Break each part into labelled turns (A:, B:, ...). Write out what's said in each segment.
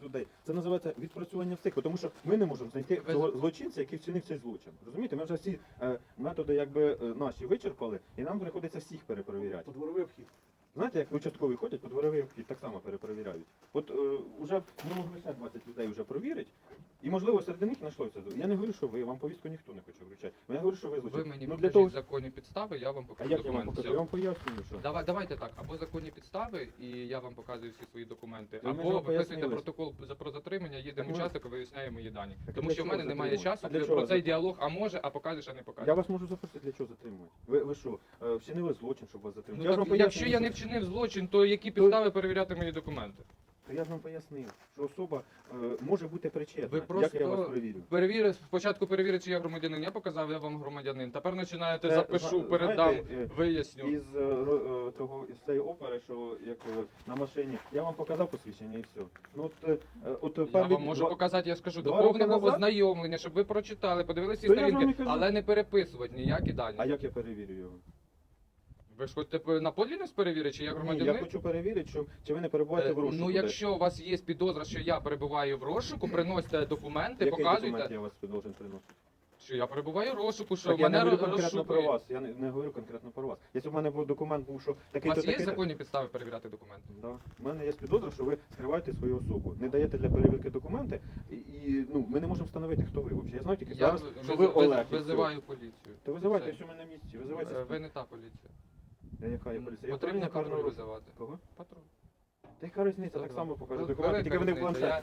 A: людей. Це називається відпрацювання встиг, тому що ми не можемо знайти цього злочинця, який вчинив цей злочин. Розумієте, ми вже всі методи якби наші вичерпали, і нам приходиться всіх перепровіряти.
B: Подворовий обхід.
A: Знаєте, як участкові ходять, по дворовий обхід так само перепровіряють. От вже ми могли ще 20 людей вже провірити, і можливо серед них знайшлося. Я не говорю, що ви, вам повістку ніхто не хоче вручати. Я говорю, що ви злочин.
C: Ви мені
A: Ну,
C: покажіть
A: того...
C: законні підстави, я вам
A: А
C: покажу
A: як я вам
C: документи.
A: покажу? Я вам пояснюю, що.
C: Давайте так, або законні підстави, і я вам показую всі свої документи,
A: Ви ж
C: або
A: вам
C: виписуєте
A: пояснили.
C: протокол про затримання, їдемо
A: Так,
C: участок, виясняємо мої дані.
A: Так,
C: Тому
A: для
C: що в
A: чого
C: мене немає
A: затримувати?
C: часу
A: А для
C: про
A: чого
C: цей діалог, а може, а покажеш, а не
A: Я
C: покажеш.
A: вас можу запросити, для чого затримувати? Ви що, вчинили злочин, щоб вас затримати?
C: Ну,
A: Я ж
C: так,
A: вам
C: якщо
A: пояснюю,
C: я не вчинив злочин, то які підстави перевіряти мої документи?
A: то я ж вам пояснив, що особа може бути причетна.
C: Ви
A: Як я
C: просто
A: вас перевірю?
C: спочатку перевірити, чи я громадянин, я показав, я вам громадянин. Тепер починаєте,
A: Це,
C: запишу,
A: знаєте,
C: передам, виясню.
A: Із цієї опери, що як на машині, я вам показав посвідчення і все. Ну от
C: Я
A: перві
C: вам можу
A: два-
C: показати, я скажу,
A: два
C: до
A: роки
C: повного
A: назад?
C: ознайомлення, щоб ви прочитали, подивилися
A: То
C: всі
A: я ж вам і
C: сторінки,
A: кажу.
C: але не переписувати ніякі дані.
A: А як я перевірю його?
C: Ви ж хочете на подлінність перевірити, чи я
A: Ні,
C: громадянин?
A: я хочу перевірити, чи ви не перебуваєте в розшуку.
C: Ну,
A: десь.
C: якщо у вас є підозра, що я перебуваю в розшуку, приносите документи,
A: Який
C: показуйте,
A: документ я вас должен приносити?
C: що я перебуваю в розшуку, що
A: Так, я не
C: мене
A: говорю конкретно про
C: розшукують.
A: вас. Я не говорю конкретно про вас. Якщо в мене був документ, був, що
C: У
A: такий-то
C: вас є
A: такий.
C: законні підстави перевіряти документи?
A: Да. У мене є підозра, що ви скриваєте свою особу, не даєте для перевірки документи, і ну, ми не можемо встановити, хто ви взагалі. Я знаю тільки
C: Я
A: зараз, що ви Олег. і все.
C: визиваю поліцію.
A: То визивайте,
C: Все.
A: що ми на місці. Визивайте.
C: Ви не та поліція.
A: Яка є поліція? Я
C: Потрібно
A: управління карного
C: патруль
A: розшуку.
C: визивати.
A: Кого?
C: Патруль.
A: Та яка різниця, так само покажу документи,
C: Велика
A: тільки вони в
C: різниця.
A: планшеті.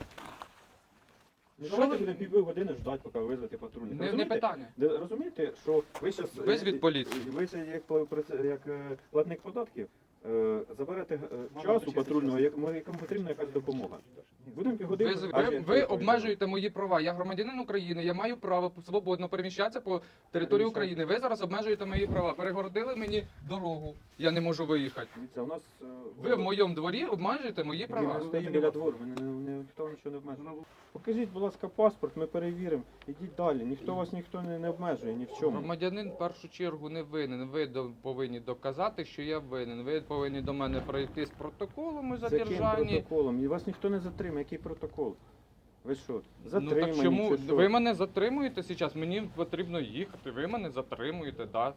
A: Ну,
C: Що
A: давайте
C: ви-
A: будемо півгодини ждати, поки визвати патрульних.
C: Не питання.
A: Розумієте, що ви зараз...
C: Визвіть поліцію.
A: Ви ще як платник податків заберете часу
B: вибачайте,
A: патрульного, якому потрібна якась допомога. Будемо півгодини...
C: Ви обмежуєте мої права. Я громадянин України, я маю право свободно переміщатися по території України. Ви зараз обмежуєте мої права. Перегородили мені дорогу. Я не можу виїхати.
A: Дивіться, у нас...
C: Ви в моєму дворі обмежуєте мої права.
A: Ми стоїмо біля двору, ніхто нічого не обмежує. Покажіть, будь ласка, паспорт, ми перевіримо. Ідіть далі, ніхто не обмежує ні в чому.
C: Громадянин в першу чергу не винен. Ви повинні доказати, що я винен. Ви повинні до мене пройти з протоколом у
A: З яким
C: задержанні.
A: протоколом? І вас ніхто не затримає. Який протокол? Ви що,
C: Ну
A: затримані
C: так чому
A: чи що?
C: ви мене затримуєте зараз? Мені потрібно їхати. Ви мене затримуєте, да.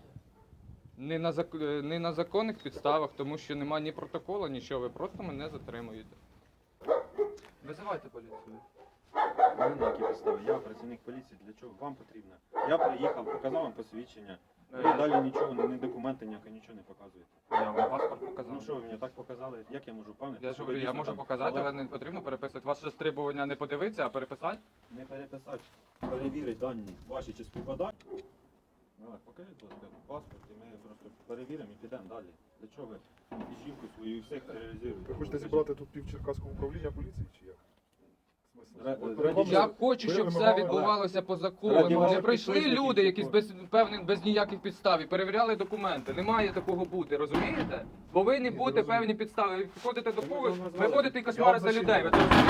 C: Не на законних підставах, тому що немає ні протоколу, нічого. Ви просто мене затримуєте. Визивайте поліцію.
A: Ви на які підстави? Я працівник поліції, для чого вам потрібно? Я приїхав, показав вам посвідчення. Ви далі нічого, ні документи ніякі, нічого не показуєте.
C: Я вам паспорт показав.
A: Ну що ви мені так показали? Як я можу впевнити?
C: Я ж
A: що
C: говорю,
A: ви
C: я
A: дійсно
C: можу
A: там
C: показати,
A: Олег?
C: але не потрібно переписувати. Вас ще требування не подивитися, а переписати?
A: Не переписати, перевірити дані ваші чи співпадають. Олег, покажіть, будь ласка, паспорт, і ми просто перевіримо і підемо далі. Для чого ви і жінку свою і всіх тероризуєте?
B: Ви хочете зібрати тут пів Черкаського управління поліції чи як? Смисл?
A: Ра-
B: От
A: раді
B: перед вами-
C: Я хочу,
B: ви
C: щоб все
B: вимагали-
C: відбувалося по
A: Раді
C: закону.
A: ваших
C: Не прийшли
A: підписників,
C: люди, якісь
A: типу.
C: без ніяких підстав, і перевіряли документи. Не має такого бути, розумієте? Повинні бути
B: розумію.
C: певні підстави. Ви приходите до
A: Ми
C: когось,
A: вам
C: ви
A: назвали.
C: ходите і
B: Я
C: кошмарите
B: вам
C: людей. Ви це
B: зачитую.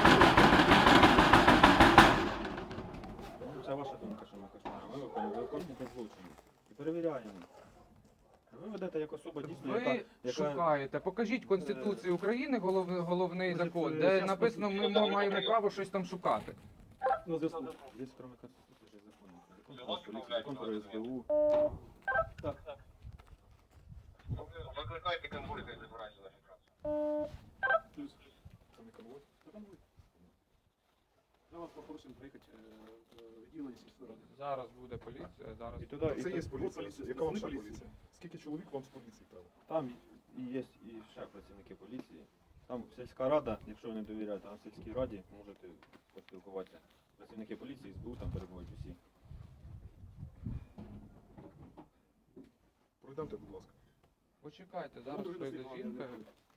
A: Ну, це ваша думка, що ми кошмари. Ми виконуєте злочини. І перевіряємо. Ви ведете як особа дійсно,
C: Ви шукаєте. Покажіть Конституцію України, головний
A: Може,
C: закон,
A: це
C: де
A: щас
C: написано, ми маємо право щось там шукати.
A: Ну, зв'язку. Є кроме Конституції, ще закони. Закон про поліцію, закон про СБУ.
D: Викликайте конвой, хай забирайте наші праці.
B: Це не конвой? Це конвой. Я вас попросимо приїхати в відділення сільської ради.
C: Зараз буде поліція, зараз.
A: І туди, і
B: Це є
A: туди.
B: поліція. Яка вам ще поліція? Скільки чоловік вам з поліції треба?
A: Там і є і ще працівники поліції. Там сільська рада, якщо ви не довіряєте, там в сільській раді можете поспілкуватися. Працівники поліції, СБУ там перебувають усі.
B: Пройдемте, будь ласка.
C: Почекайте, зараз
B: Буду
C: прийде
B: розслідування,
C: жінка.
B: не